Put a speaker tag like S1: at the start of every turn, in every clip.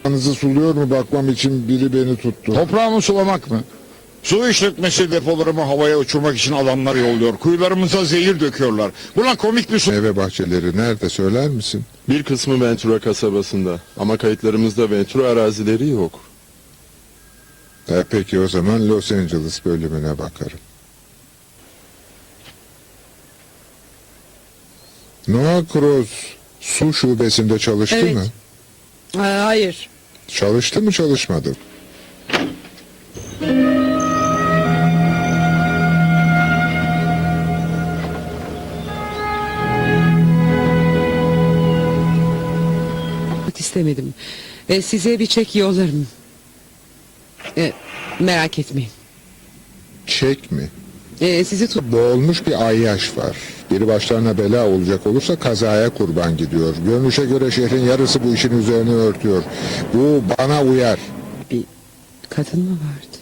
S1: Toprağınızı suluyor mu bakmam için biri beni tuttu.
S2: Toprağımı sulamak mı? Su işletmesi depolarımı havaya uçurmak için adamlar yolluyor. Kuyularımıza zehir döküyorlar. Buna komik bir
S1: Meyve bahçeleri nerede söyler misin?
S3: Bir kısmı Ventura kasabasında ama kayıtlarımızda Ventura arazileri yok.
S1: Peki o zaman Los Angeles bölümüne bakarım. Noah Cross su şubesinde çalıştı
S4: Evet.
S1: mı?
S4: Hayır.
S1: Çalıştı mı çalışmadı mı?
S4: İstemedim. Size bir çek yollarım. Merak etmeyin.
S1: Çek mi?
S4: Sizi tut.
S1: Boğulmuş bir ayyaş var. Biri başlarına bela olacak olursa kazaya kurban gidiyor. Görünüşe göre şehrin yarısı bu işin üzerine örtüyor. Bu bana uyar.
S4: Bir kadın mı vardı?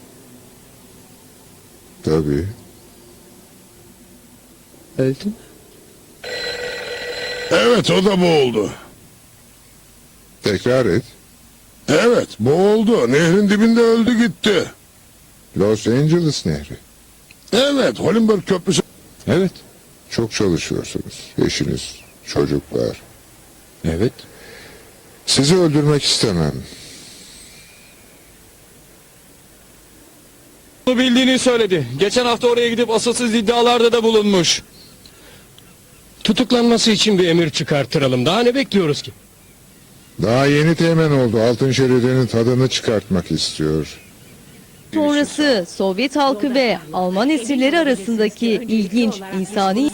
S1: Tabii.
S4: Öldü mü?
S5: Evet, o da boğuldu.
S1: Tekrar et.
S5: Evet, boğuldu. Nehrin dibinde öldü gitti.
S1: Los Angeles Nehri.
S5: Evet, Hollenberg Köprüsü.
S2: Evet.
S1: Çok çalışıyorsunuz. Eşiniz, çocuklar.
S2: Evet.
S1: Sizi öldürmek istemem.
S6: Bunu bildiğini söyledi. Geçen hafta oraya gidip asılsız iddialarda da bulunmuş.
S7: Tutuklanması için bir emir çıkarttıralım. Daha ne bekliyoruz ki?
S1: Daha yeni teğmen oldu. Altın şeridinin tadını çıkartmak istiyor.
S8: Sonrası Sovyet halkı ve Alman esirleri arasındaki ilginç insani